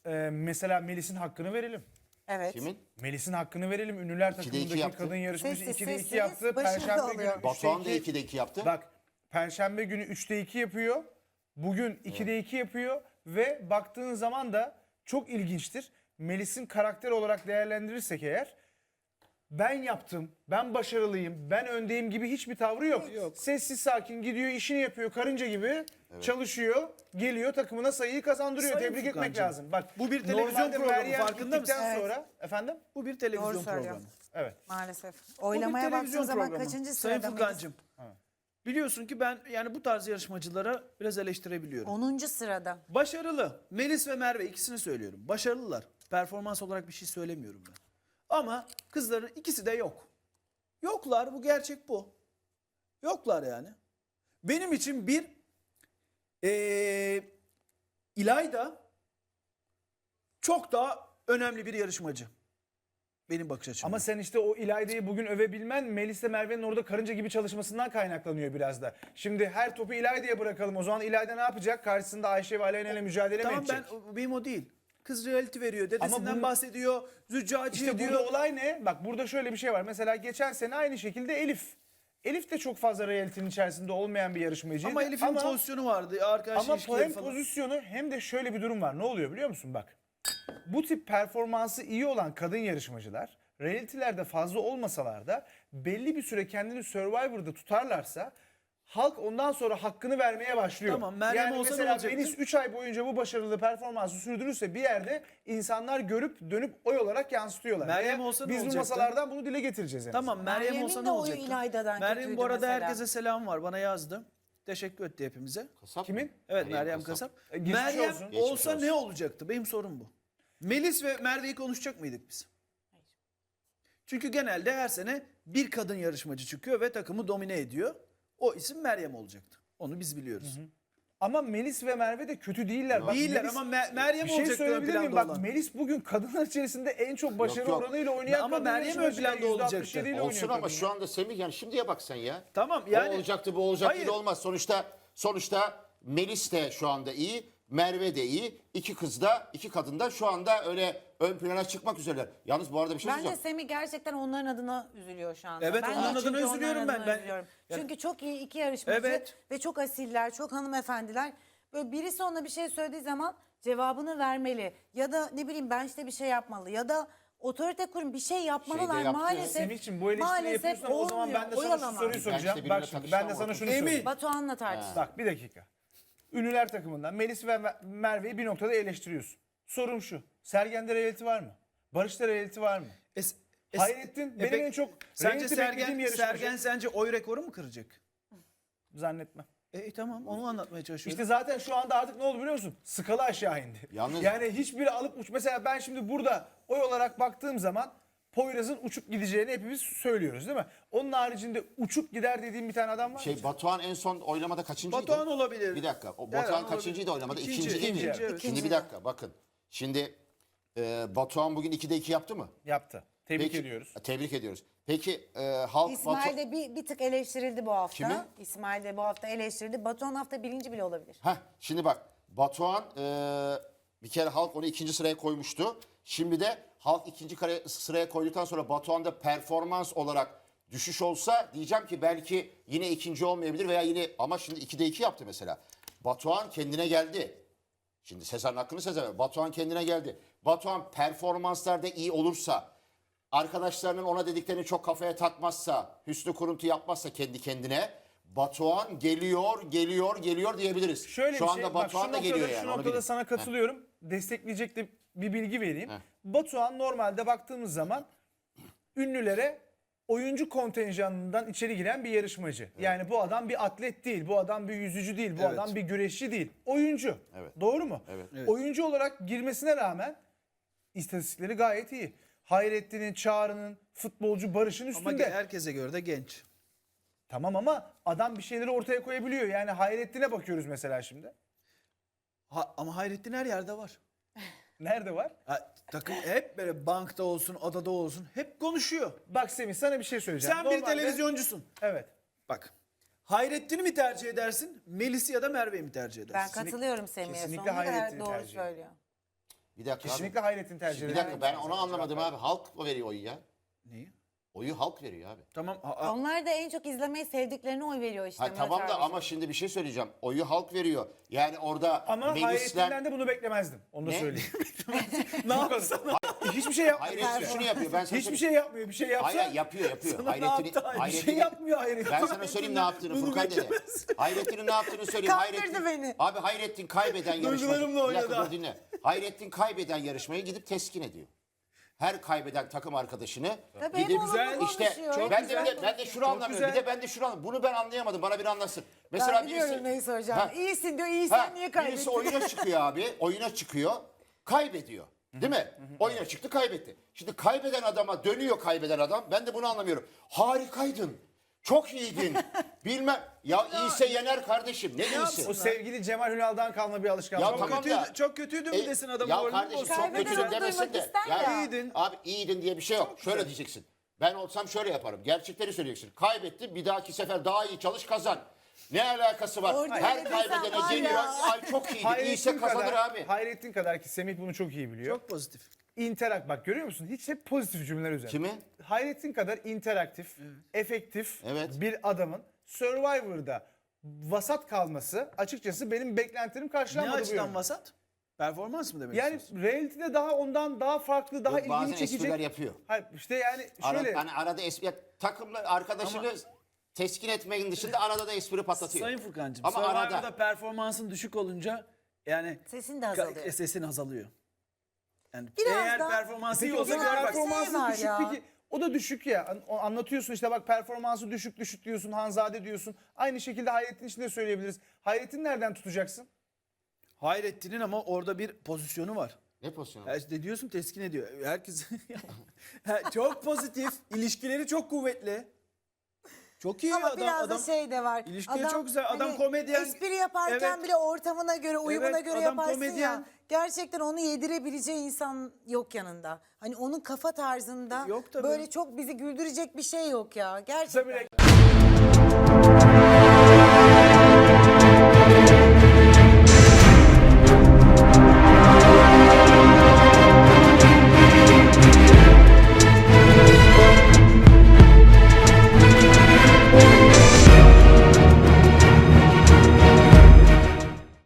mesela Melis'in hakkını verelim. Evet. Kimin? Melis'in hakkını verelim. Ünlüler 2'de 2 takımındaki yaptı. kadın yarışmacı Sessiz 2'de 2 sessiz yaptı. başarılı Perşembe günü oluyor. 3'te Batuhan da 2. 2'de 2 yaptı. Bak Perşembe günü 3'te 2 yapıyor. Bugün 2'de 2 yapıyor. Ve baktığın zaman da çok ilginçtir. Melis'in karakter olarak değerlendirirsek eğer ben yaptım, ben başarılıyım, ben öndeyim gibi hiçbir tavrı yok. Sessiz sakin gidiyor, işini yapıyor, karınca gibi çalışıyor, geliyor takımına sayıyı kazandırıyor. Sayın Tebrik etmek Furkancığım, lazım. Bak bu bir televizyon normalde programı, Meryem farkında mısın? gittikten Evet. sonra efendim? Bu bir Doğru televizyon söylüyor. programı. Evet. Maalesef. Bu bir Oylamaya baktığın televizyon zaman programı. kaçıncı Sayın sırada? Furkancığım. Biliyorsun ki ben yani bu tarz yarışmacılara biraz eleştirebiliyorum. 10. sırada. Başarılı. Melis ve Merve ikisini söylüyorum. Başarılılar. Performans olarak bir şey söylemiyorum ben. Ama kızların ikisi de yok. Yoklar, bu gerçek bu. Yoklar yani. Benim için bir İlayda çok daha önemli bir yarışmacı. Benim bakış açım. Ama sen işte o İlayda'yı bugün övebilmen Melis'le Merve'nin orada karınca gibi çalışmasından kaynaklanıyor biraz da. Şimdi her topu İlayda'ya bırakalım. O zaman İlayda ne yapacak? Karşısında Ayşe ve Aleyna ile mücadele mi tamam edecek? benim o değil. Kız reality veriyor. Dedesinden bunu- bahsediyor. Züccaci İşte diyor. burada olay ne? Bak burada şöyle bir şey var. Mesela geçen sene aynı şekilde Elif. Elif de çok fazla reality'nin içerisinde olmayan bir yarışmacıydı. Ama Elif'in pozisyonu vardı. Arkadaş Ama ilişkileri hem falan. pozisyonu hem de şöyle bir durum var. Ne oluyor biliyor musun? Bak. Bu tip performansı iyi olan kadın yarışmacılar reality'lerde fazla olmasalar da belli bir süre kendini Survivor'da tutarlarsa halk ondan sonra hakkını vermeye başlıyor. Tamam, Meryem yani olsa ne mesela olacaktı? Melis 3 ay boyunca bu başarılı performansı sürdürürse bir yerde insanlar görüp dönüp oy olarak yansıtıyorlar. Meryem Ve olsa ne biz bu olacaktı? masalardan bunu dile getireceğiz. en Tamam azından. Meryem Meryem'in olsa de ne oyu olacaktı? İlayda'dan Meryem kötüydü bu arada mesela. herkese selam var. Bana yazdı. Teşekkür etti hepimize. Kasap Kimin? mı? Evet Meryem Kasap. Geçmiş Meryem olsun. Geçmiş olsa olsun. ne olacaktı? Benim sorum bu. Melis ve Merve'yi konuşacak mıydık biz? Çünkü genelde her sene bir kadın yarışmacı çıkıyor ve takımı domine ediyor. O isim Meryem olacaktı. Onu biz biliyoruz. Ama Melis ve Merve de kötü değiller. Bak, Değiller Melis- ama Meryem bir şey olacaktı ön söyleyebilir miyim? planda Bak olan. Melis bugün kadınlar içerisinde en çok başarı yok. oranıyla oynayan Ama kadın Meryem ön yarışmacı. planda olacaktı. %67 ile Olsun oynuyor ama kadın şu ya. anda Semih yani şimdiye bak sen ya. Tamam yani. O olacaktı bu olacaktı Hayır. da olmaz. Sonuçta Melis de şu anda iyi. Merve de iyi. İki kadın da şu anda öyle ön plana çıkmak üzereler. Yalnız bu arada bir şey Bence söyleyeceğim. Semih gerçekten onların adına üzülüyor şu anda. Evet, Ben de onların adına çünkü üzülüyorum onların ben. adına Ben- üzülüyorum. Yani- Çünkü çok iyi iki yarışmacı Evet. ve çok asiller, çok hanımefendiler. Böyle birisi ona bir şey söylediği zaman cevabını vermeli. Ya da ne bileyim ben işte bir şey yapmalı. Ya da otorite kurum bir şey yapmalılar. yaptı. Maalesef, Semih'cim bu eleştiriyi yapıyorsun ama o zaman ben de sana şu Oyalama. soruyu Ben soracağım. işte Bak benimle şimdi ben de takışamam, sana şunu Emin. sorayım. Batuhan'la tartıştık. Bak bir dakika. Ünlüler takımından Melis ve Merve'yi bir noktada eleştiriyorsun. Sorum şu. Sergen'de reality var mı? Barış'ta reality var mı? Hayrettin benim peki, en çok sence reality beklediğim yarışmacı. Sergen sence oy rekoru mu kıracak? Zannetmem. Tamam onu anlatmaya çalışıyorum. İşte zaten şu anda artık ne oldu biliyor musun? Skala aşağı indi. Yalnız- Yani hiçbiri alıp uç. Mesela ben şimdi burada oy olarak baktığım zaman Poyraz'ın uçup gideceğini hepimiz söylüyoruz değil mi? Onun haricinde uçup gider dediğim bir tane adam var mı? Batuhan en son oylamada kaçıncıydı? Batuhan olabilir. Bir dakika. O Derhan Batuhan olabilir. kaçıncıydı oylamada? İkinci, İkinci değil mi? ikinci, evet. Şimdi bir dakika bakın. Şimdi Batuhan bugün 2'de 2 yaptı mı? Yaptı. Tebrik ediyoruz. Tebrik ediyoruz. Peki halk İsmail de bir tık eleştirildi bu hafta. Kimi? İsmail de bu hafta eleştirildi. Batuhan hafta birinci bile olabilir. Şimdi bak Batuhan bir kere halk onu ikinci sıraya koymuştu. Şimdi de halk ikinci sıraya koyduktan sonra Batuhan'da performans olarak düşüş olsa diyeceğim ki belki yine ikinci olmayabilir veya yine ama şimdi 2'de 2 yaptı mesela. Batuhan kendine geldi. Şimdi Sezar'ın hakkını Sezar ver. Batuhan kendine geldi. Batuhan performanslarda iyi olursa, arkadaşlarının ona dediklerini çok kafaya takmazsa, hüsnü kuruntu yapmazsa kendi kendine Batuhan geliyor diyebiliriz. Şöyle şu bir anda şey. Bak, Batuhan şu da geliyor noktada, yani. Şu onu noktada bilin. sana katılıyorum. Destekleyecek de bir bilgi vereyim. Heh. Batuhan normalde baktığımız zaman ünlülere oyuncu kontenjanından içeri giren bir yarışmacı. Yani bu adam bir atlet değil, bu adam bir yüzücü değil, bu Evet. adam bir güreşçi değil. Oyuncu. Evet. Doğru mu? Evet. Evet. Oyuncu olarak girmesine rağmen istatistikleri gayet iyi. Hayrettin'in, Çağrı'nın, futbolcu Barış'ın Ama üstünde. herkese göre de genç. Tamam ama adam bir şeyleri ortaya koyabiliyor. Yani Hayrettin'e bakıyoruz mesela şimdi. Ama Hayrettin her yerde var. Nerede var? Takım hep böyle bankta olsun, adada olsun hep konuşuyor. Bak Semih sana bir şey söyleyeceğim. Sen bir televizyoncusun. Evet. Bak. Hayrettin'i mi tercih edersin? Melis'i ya da Merve'yi mi tercih edersin? Ben katılıyorum Semih'e. kesinlikle Sonuna kadar Hayrettin'i doğru tercih ediyorum. söylüyor. Bir dakika Kesinlikle Hayrettin tercih Bir ederim. dakika ben onu anlamadım abi. Halk mı veriyor oyu ya? Neyi? Oyu halk veriyor abi. Tamam. Onlar da en çok izlemeyi sevdiklerine oy veriyor işte. Ha, Murat tamam da abiciğim. ama şimdi bir şey söyleyeceğim. Oyu halk veriyor. Yani orada Ama Melis'ten... Hayrettin'den de bunu beklemezdim. Onu da Ne? söyleyeyim. Ne yapsın? Hiçbir şey yapmıyor. Hayrettin şunu yapıyor. Ben sana Hiçbir söyleyeyim. şey yapmıyor. Bir şey yapsa Hayır yapıyor. Sana ne Hayrettin'i- yaptı? Bir Hayrettin'i- şey yapmıyor Hayrettin. Ben sana söyleyeyim ne yaptığını Bunu Furkan dede. beklemez. Hayrettin'in ne yaptığını söyleyeyim. Kandırdı beni. Abi Hayrettin kaybeden yarışmayı... Duygularımla Bir dakika oynadı. dur dinle. Hayrettin kaybeden yarışmayı gidip teskin ediyor. Her kaybeden takım arkadaşını Tabii gidip hep olumlu işte konuşuyor, hep ben güzel de şunu anlamıyorum. Bir güzel. de ben de şunu anlamıyorum. Bunu ben anlayamadım. Bana biri anlasın. Mesela Ben biliyorum neyi soracağım. Ha. İyisin diyor, iyisen niye kaybettin? Birisi oyuna çıkıyor abi. Oyuna çıkıyor. Kaybediyor. Değil mi? Oyuna çıktı kaybetti. Şimdi kaybeden adama dönüyor kaybeden adam. Ben de bunu anlamıyorum. Harikaydın. Çok iyiydin. Bilmem. Ya iyiyse yener kardeşim. Ne iyisi? o sevgili Cemal Ünal'dan kalma bir alışkanlık. Ya Ama tamam Kötüydü, da- çok kötüydü mü desin adam Ya moralini kardeşim bozsun. çok Kaybeden kötüydün onu demesin duymak de. ister Yani, ya. İyiydin. Abi iyiydin diye bir şey yok. Şöyle güzel. diyeceksin. Ben olsam şöyle yaparım. Gerçekleri söyleyeceksin. Kaybettin bir dahaki sefer daha iyi çalış kazan. Ne alakası var? Orada Her öyle desem kaybedene var geliyor. ya. Ay çok iyiydi. İyiyse kazanır abi. Hayrettin kadar ki Semih bunu çok iyi biliyor. Çok pozitif. Bak görüyor musun? Hiç hep pozitif cümleler üzerine. Kimi? Hayrettin kadar interaktif, efektif Evet. bir adamın Survivor'da vasat kalması açıkçası benim beklentilerim Ne karşılanmadı bu açıdan yönde. vasat? Performans mı demek Yani istiyorsun? reality'de daha ondan daha farklı, daha Yok, bazen ilgini çekecek. espriler yapıyor. Hayır işte yani şöyle. Hani arada espri... Takımla arkadaşını teskin etmeyin dışında arada da espri patlatıyor. Sayın Furkan'cığım, Ama Survivor'da arada... performansın düşük olunca yani Sesin de azalıyor. sesin azalıyor. Yani Biraz eğer daha- performansı iyi Peki o olsa zaman Biraz gör bak. performansı var düşük ya. peki. O da düşük ya. Anlatıyorsun işte bak performansı düşük diyorsun. Hanzade diyorsun. Aynı şekilde Hayrettin için de söyleyebiliriz. Hayrettin nereden tutacaksın? Hayrettin'in ama orada bir pozisyonu var. Ne pozisyonu? Ya işte diyorsun teskin ediyor. Herkes çok pozitif, ilişkileri çok kuvvetli. Çok iyi Ama adam. biraz adam da şey de var. İlişkileri çok güzel. Adam komedyen. Espri yaparken Evet. bile ortamına göre, uyumuna Evet, göre adam yaparsın komedyen. ya. Gerçekten onu yedirebileceği insan yok yanında. Hani onun kafa tarzında Yok tabii. böyle çok bizi güldürecek bir şey yok ya. Kısa bir Gerçekten. reklam.